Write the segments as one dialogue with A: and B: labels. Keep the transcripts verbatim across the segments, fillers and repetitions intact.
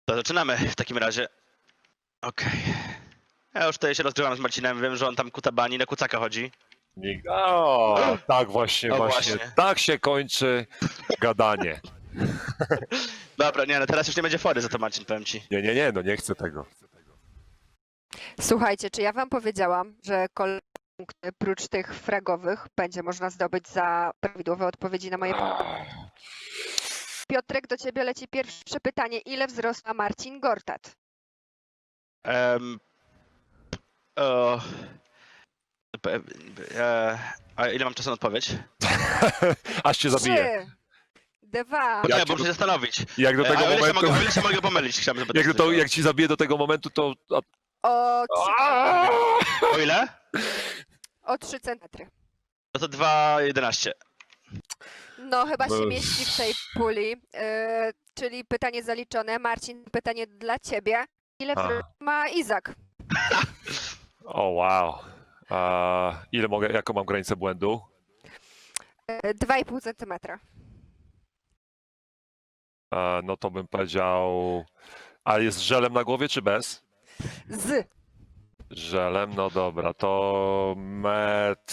A: To zaczynamy w takim razie. Okej. Ja już tutaj się rozgrzewam z Marcinem, wiem, że on tam kutabani na kucaka chodzi.
B: Nikt. O, tak właśnie,
A: O,
B: właśnie,
A: właśnie.
B: tak się kończy gadanie.
A: Dobra, nie, no teraz już nie będzie fory za to, Marcin, powiem ci.
B: Nie, nie, nie, no nie chcę tego.
C: Słuchajcie, czy ja wam powiedziałam, że kolejne punkty prócz tych fragowych będzie można zdobyć za prawidłowe odpowiedzi na moje pytania? Piotrek, do ciebie leci pierwsze pytanie. Ile wzrosła Marcin Gortat?
A: Um, o, p- e, a ile mam czasu na odpowiedź?
B: Aż cię zabiję.
C: Trzy, dwa,
A: Ja,
B: Jak
A: bo
B: ci-
A: muszę się zastanowić.
B: Jak do
A: E,
B: tego
A: a o ile się
B: momentu,
A: mogę, o ile się mogę pomylić, chciałem zapytać.
B: jak, do to,
A: tylko.
B: jak ci zabiję do tego momentu, to...
C: o,
B: A...
A: O ile?
C: o trzy centymetry.
A: No to dwa jedenaście.
C: No, chyba się
B: No.
C: mieści w tej puli, yy, czyli pytanie zaliczone. Marcin, pytanie dla ciebie. Ile
B: A.
C: wzrostu ma Izak?
B: O, wow. A, ile mogę, jaką mam granicę błędu?
C: Yy, dwa i pół centymetra.
B: A, no to bym powiedział... A jest z żelem na głowie, czy bez?
C: Z.
B: Żelem, no dobra, to metr...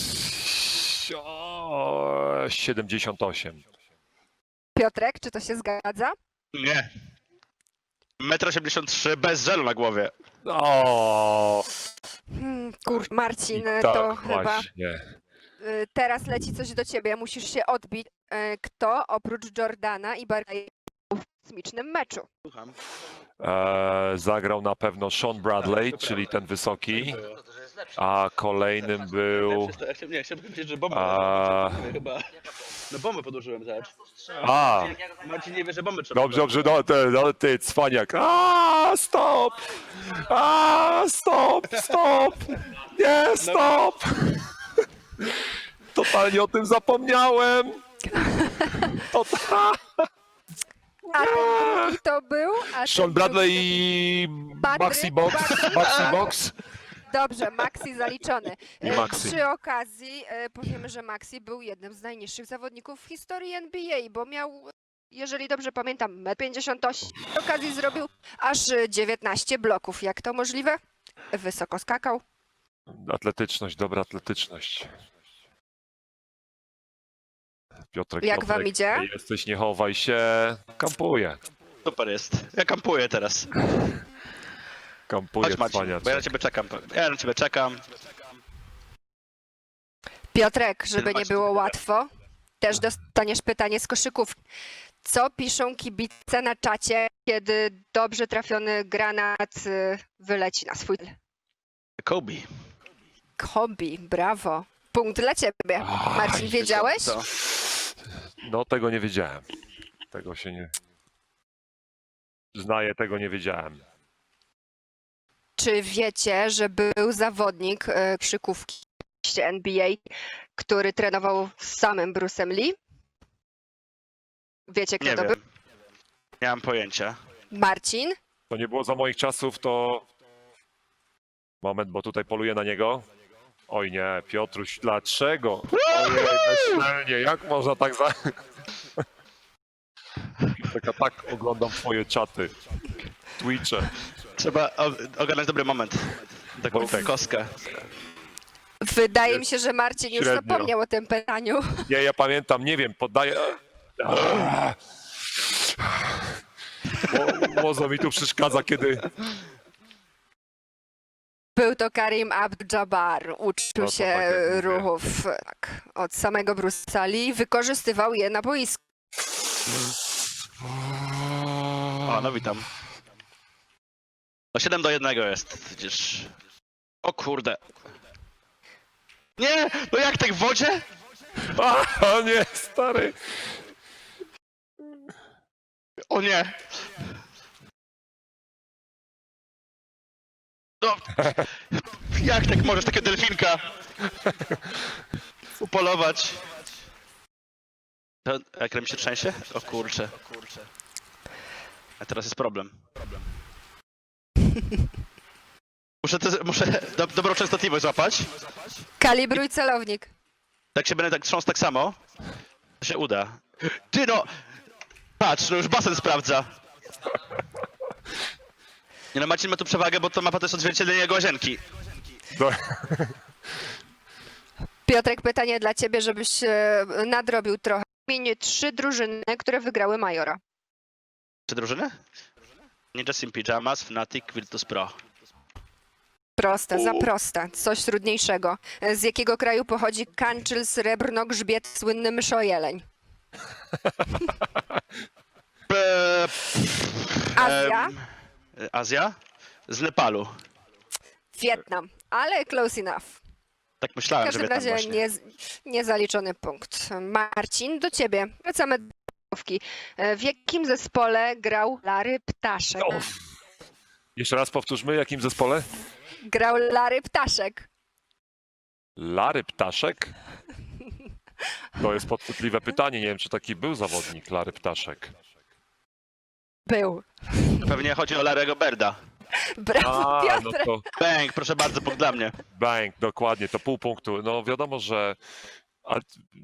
B: O, siedemdziesiąt osiem.
C: Piotrek, czy to się zgadza?
A: Nie. metr osiemdziesiąt trzy bez żelu na głowie.
B: O,
C: Hmm, kur... Marcin,
B: tak,
C: to chyba
B: właśnie.
C: y, teraz leci coś do ciebie, musisz się odbić. Y, Kto oprócz Jordana i Barclaya był w kosmicznym meczu?
A: Słucham.
B: E, zagrał na pewno Sean Bradley, czyli ten wysoki, a kolejnym był...
A: Ja chciałem, nie, chciałem powiedzieć, że bombę.
B: A...
A: Chyba. No bombę podłożyłem, zobacz.
B: A,
A: Marcin nie wie, że bombę trzeba.
B: dobrze, dobrze, no, ty, no, ty cwaniak. A, stop! A, stop, stop! Nie, stop! Totalnie o tym zapomniałem! Total...
C: A ten drugi to był? A ten
B: Sean Bradley
C: drugi
B: i
C: Patryk
B: Maxi Box, Maxi Box.
C: to- Dobrze, Maxi zaliczony.
B: I
C: Y,
B: Maxi.
C: Przy okazji y, powiemy, że Maxi był jednym z najniższych zawodników w historii N B A, bo miał, jeżeli dobrze pamiętam, metr pięćdziesiąt osiem. Przy okazji zrobił aż y, dziewiętnaście bloków. Jak to możliwe? Wysoko skakał.
B: Atletyczność, dobra atletyczność. Piotrek,
C: Jak
B: Piotrek,
C: wam idzie?
B: jesteś, nie chowaj się. Kampuję.
A: Super jest. Ja kampuję teraz.
B: Kampuję,
A: Chodź Marcin,
B: cwaniaczek.
A: bo ja na ciebie czekam. Ja na ciebie czekam.
C: Piotrek, żeby nie
A: Zobaczcie,
C: było
A: dobra.
C: łatwo, też dostaniesz pytanie z koszykówki. Co piszą kibice na czacie, kiedy dobrze trafiony granat y, wyleci na swój cel?
A: Kobe.
C: Kobe, brawo. Punkt dla ciebie.
B: Ach,
C: Marcin, wiedziałeś?
A: Co?
B: No tego nie wiedziałem. Tego się nie... Znaję, tego nie wiedziałem.
C: Czy wiecie, że był zawodnik y, koszykówki N B A, który trenował z samym Bruce'em Lee? Wiecie, kto
A: Nie
C: to
A: wiem.
C: był?
A: Nie mam pojęcia.
C: Marcin?
B: To nie było za moich czasów, to... Moment, bo tutaj poluję na niego. Oj nie, Piotruś, dlaczego? Ojej, bezczelnie, jak można tak za... Taka tak oglądam twoje czaty. Twitche.
A: Trzeba o- ogarnąć dobry moment. Taką
B: Wojtek.
A: kostkę.
C: Wydaje mi się, że Marcin już
B: Średnio.
C: zapomniał o tym pytaniu.
B: Nie, ja pamiętam, nie wiem, poddaję... Mo- Mozo mi tu przeszkadza, kiedy...
C: Był to Karim Abdul-Jabbar. Uczył
B: No to
C: się
B: tak jak mówię.
C: ruchów tak, od samego Bruce'a Lee. Wykorzystywał je na boisku.
A: O, no witam. No siedem do jednego jest, widzisz. O kurde. Nie! No jak tak w wodzie?
B: A, nie, stary.
A: O nie! No, jak tak możesz takiego delfinka upolować? To ekran mi się trzęsie? O kurcze. A teraz jest problem. Muszę, te, muszę do, dobrą częstotliwość złapać.
C: Kalibruj celownik.
A: Tak się będę tak trząsł tak samo. To się uda. Ty no! Patrz, no już basen sprawdza. Nie no, Marcin ma tu przewagę, bo to mapa to jest odzwierciedlenie jego łazienki.
B: No,
C: Piotrek, pytanie dla ciebie, żebyś e, nadrobił trochę. Wymień trzy drużyny, które wygrały Majora.
A: Czy drużyny? Ninja Sim Pyjamas, Fnatic, Virtus Pro.
C: Proste, za proste. Coś trudniejszego. Z jakiego kraju pochodzi Kanczyl, Srebrno, Grzbiet, słynny myszojeleń?
A: Eee,
C: Azja,
A: em, Azja? Z Nepalu.
C: Wietnam, ale close enough.
A: Tak
C: W
A: myślałem, że
C: każdym
A: Wietnam
C: razie
A: właśnie.
C: nie, niezaliczony punkt. Marcin, do ciebie. Wracamy do rozgrywki. E, W jakim zespole grał Larry Ptaszek?
B: o. Jeszcze raz powtórzmy, jakim zespole?
C: Grał Larry Ptaszek.
B: Larry Ptaszek? To jest podchwytliwe pytanie. Nie wiem, czy taki był zawodnik Larry Ptaszek.
C: Był.
A: Pewnie chodzi o Larego Berda.
C: Brawo,
B: A,
C: Piotr.
B: no to
A: Bang, proszę bardzo, punkt dla mnie.
B: bang, dokładnie, to pół punktu. No wiadomo, że... A...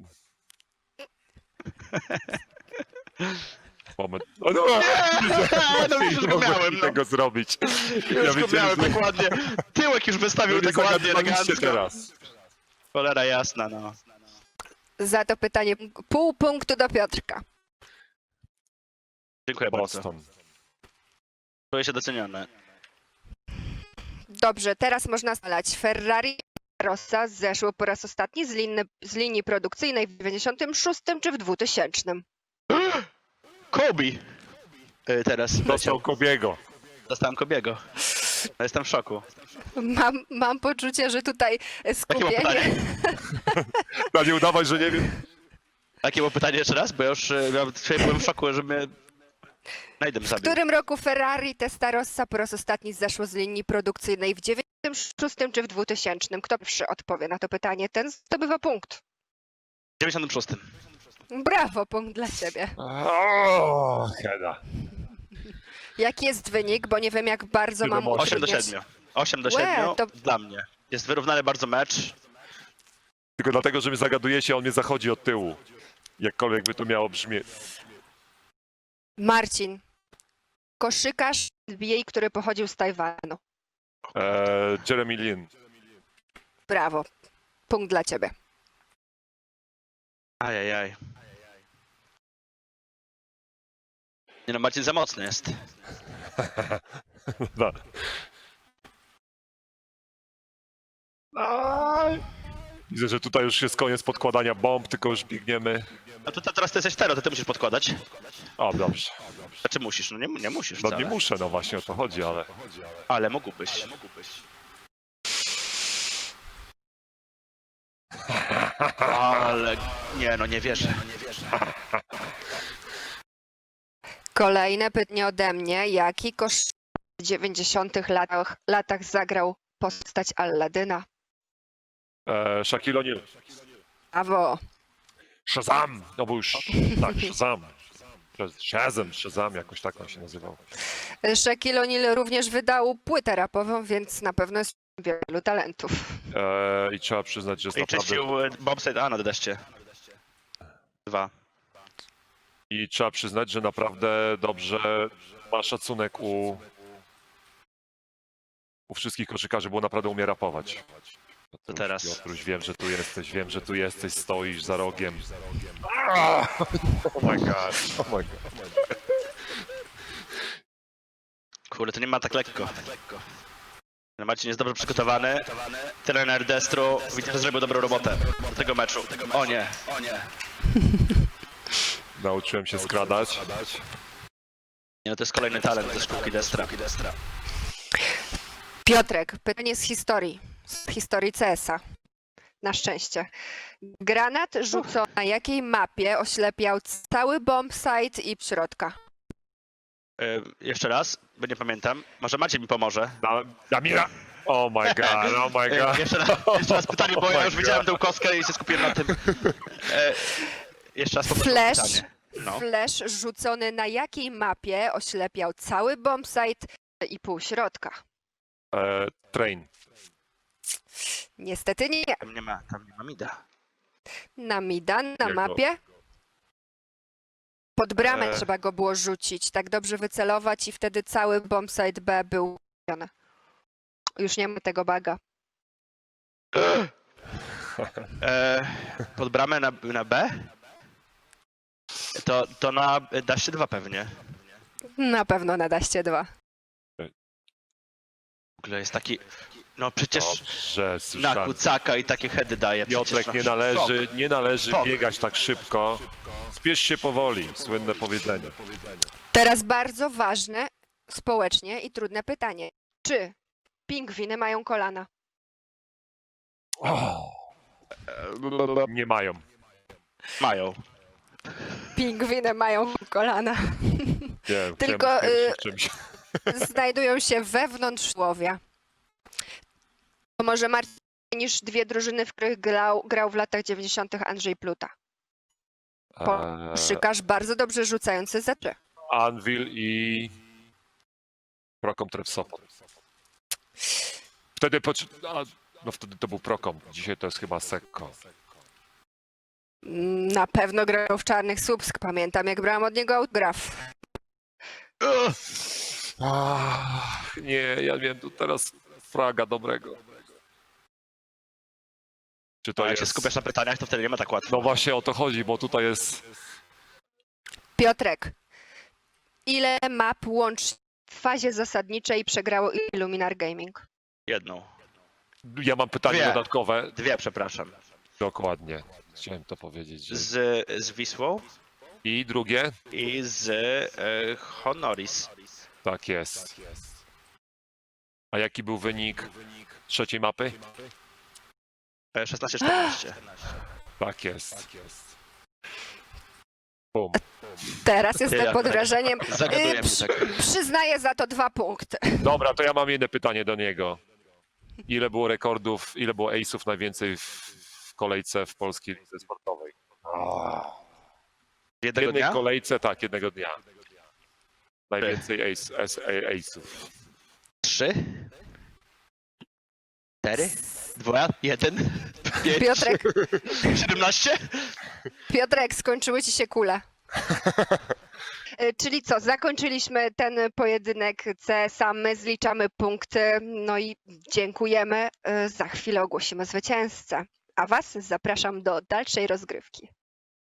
B: Moment. O, no,
A: no już
B: nie
A: go
B: mogłem
A: miałem, no.
B: tego zrobić.
A: Już go
B: wiedziałem,
A: miałem
B: że-
A: tak ładnie. Tyłek już wystawił
B: No nie
A: tak ładnie,
B: zagadywaliście
A: elegancko.
B: teraz.
A: Cholera jasna, no.
C: Za to pytanie pół punktu do Piotrka.
A: Dziękuję bardzo.
B: Boston.
A: Czuję się doceniony.
C: Dobrze, teraz można znaleźć Ferrari Rossa zeszło po raz ostatni z, linny, z linii produkcyjnej w dziewięćdziesiątym szóstym czy w dwutysięcznym?
A: Kobe! Y, Teraz
B: Dostał
A: leciał.
B: Kobiego.
A: Dostałem Kobiego. No, jestem w szoku.
C: Mam, mam poczucie, że tutaj
A: Jakie było
C: skupienie...
A: pytanie?
B: No nie udawaj, że nie wiem.
A: Jakie było pytanie jeszcze raz? Bo ja już y, miałem, dzisiaj byłem w szoku, że mnie Najdem
C: W
A: zabił.
C: którym roku Ferrari Testarossa po raz ostatni zeszło z linii produkcyjnej? W dziewięćdziesiątym szóstym czy w dwutysięcznym? Kto pierwszy odpowie na to pytanie, ten zdobywa punkt.
A: W dziewięćdziesiątym szóstym.
C: Brawo, punkt dla ciebie.
B: O, Heda.
C: Jaki jest wynik? Bo nie wiem, jak bardzo
B: Siedem,
C: mam
B: osiem.
A: osiem do
C: utrudniać.
A: siedmiu. osiem do
C: Łe,
A: siedmiu
C: to-
A: dla mnie. Jest wyrównany bardzo mecz.
B: Tylko dlatego, że mnie zagadujecie, on mnie zachodzi od tyłu. Jakkolwiek by to miało brzmieć.
C: Marcin. Koszykarz N B A, który pochodził z Tajwanu.
B: Eee, Jeremy Lin.
C: Brawo. Punkt dla ciebie.
A: Ajajaj. Nie no, Marcin za mocny jest.
B: No. Aj. Widzę, że tutaj już jest koniec podkładania bomb, tylko już biegniemy.
A: A to teraz ty jesteś tero, to ty musisz podkładać.
B: O, dobrze.
A: Znaczy musisz, no nie, nie musisz
B: No
A: wcale.
B: nie muszę, no właśnie o to chodzi, ale...
A: Ale mógłbyś. Ale nie no, nie wierzę.
C: Kolejne pytanie ode mnie. Jaki koszykarz w dziewięćdziesiątych latach, latach zagrał postać Alladyna?
B: Eee, Shaquille O'Neal.
C: Brawo.
B: Shazam! No bo już... Tak, Shazam. Shazam, Shazam, jakoś tak on się nazywał.
C: Shaquille O'Neal również wydał płytę rapową, więc na pewno jest wielu talentów.
B: Eee, I trzeba przyznać, że jest
A: I
B: naprawdę...
A: czyścił e, bobsled A na deście. Dwa.
B: I trzeba przyznać, że naprawdę dobrze ma szacunek u... u wszystkich koszykarzy, bo naprawdę umie rapować.
A: To teraz.
B: Piotruś, wiem, że tu jesteś, wiem, że tu jesteś, stoisz za rogiem. Ah! Oh my god, oh my god.
A: Kurde, to nie ma tak lekko. No, Marcin jest dobrze przygotowany. Trener Destru widzę, że zrobił dobrą robotę do tego meczu. O nie, o nie.
B: Nauczyłem się skradać.
A: Nie no, to jest kolejny talent ze szkółki Destra.
C: Piotrek, pytanie z historii. Z historii C S a. Na szczęście. Granat rzucony na jakiej mapie oślepiał cały bombsite i środka?
A: E, jeszcze raz, bo nie pamiętam. Może Maciej mi pomoże.
B: Da, Damira! Oh my god, oh my
A: E,
B: god.
A: jeszcze, raz, jeszcze raz pytanie, bo
B: Oh
A: ja
B: my
A: już
B: God.
A: widziałem tę kostkę i się skupiłem na tym. E, jeszcze raz poproszę o
C: Flash.
A: pytanie. No.
C: Flash rzucony na jakiej mapie oślepiał cały bombsite i pół środka?
B: E, train.
C: Niestety nie.
A: Tam nie ma, tam nie ma mida.
C: Na Mida, na
B: Jego-
C: mapie Pod bramę
B: E.
C: trzeba go było rzucić, tak dobrze wycelować i wtedy cały bombsite B był robiony. Już nie ma tego baga.
A: E, pod bramę na, na B? To, to na daście dwa pewnie.
C: Na pewno na daście dwa.
A: W ogóle jest taki... No przecież
B: Dobrze,
A: na
B: słyszałem.
A: kucaka i takie heady daje. Przecież
B: Piotrek,
A: no,
B: nie należy, nie należy
A: Szok.
B: biegać tak szybko. Spiesz się powoli, słynne powiedzenie.
C: Teraz bardzo ważne społecznie i trudne pytanie. Czy pingwiny mają kolana?
B: O,
A: szok.
B: nie mają.
A: Mają.
C: Pingwiny mają kolana.
B: Nie,
C: Tylko,
B: chciałem
C: y,
B: w czymś.
C: Znajdują się wewnątrz tułowia. To może martwiej niż dwie drużyny, w których grał, grał w latach dziewięćdziesiątych Andrzej Pluta.
B: Eee,
C: Szykarz bardzo dobrze rzucający za trzy.
B: Anvil i Prokom Trefsopot. Wtedy, poczy... A, no wtedy to był Prokom, dzisiaj to jest chyba Sekko.
C: Na pewno grał w Czarnych Słupsk. Pamiętam, jak brałam od niego autograf.
B: Ach, nie, ja wiem, tu teraz fraga dobrego. Czy to
A: To jak
B: jest...
A: się skupiasz na pytaniach, to wtedy nie ma tak łatwo.
B: No właśnie o to chodzi, bo tutaj jest...
C: Piotrek, ile map łącznie w fazie zasadniczej przegrało Illuminar Gaming?
A: Jedną.
B: Ja mam pytanie
A: Dwie.
B: dodatkowe.
A: Dwie, przepraszam.
B: Dokładnie. Chciałem to powiedzieć. Że...
A: Z, z Wisłą
B: I drugie?
A: i z e, Honoris.
B: Tak jest. A jaki był wynik trzeciej mapy?
A: E, szesnaście czternaście.
B: Tak jest. Bum.
C: Teraz jestem
A: Ja-
C: pod wrażeniem.
A: Zagaduję
C: Y,
A: mnie
C: przy-
A: tak.
C: Przyznaję za to dwa punkty.
B: Dobra, to ja mam jedno pytanie do niego. Ile było rekordów, ile było ace'ów najwięcej w, w kolejce w polskiej lidze sportowej? W
A: Jednego
B: jednej
A: dnia?
B: kolejce, tak, jednego dnia. Najwięcej ace, ace, ace'ów.
A: Trzy? Cztery? Dwa? Jeden? Pięć?
C: Piotrek,
A: Siedemnaście?
C: Piotrek, skończyły ci się kule. Y, Czyli co, zakończyliśmy ten pojedynek C S A, my zliczamy punkty, no i dziękujemy. Y, Za chwilę ogłosimy zwycięzcę. A was zapraszam do dalszej rozgrywki.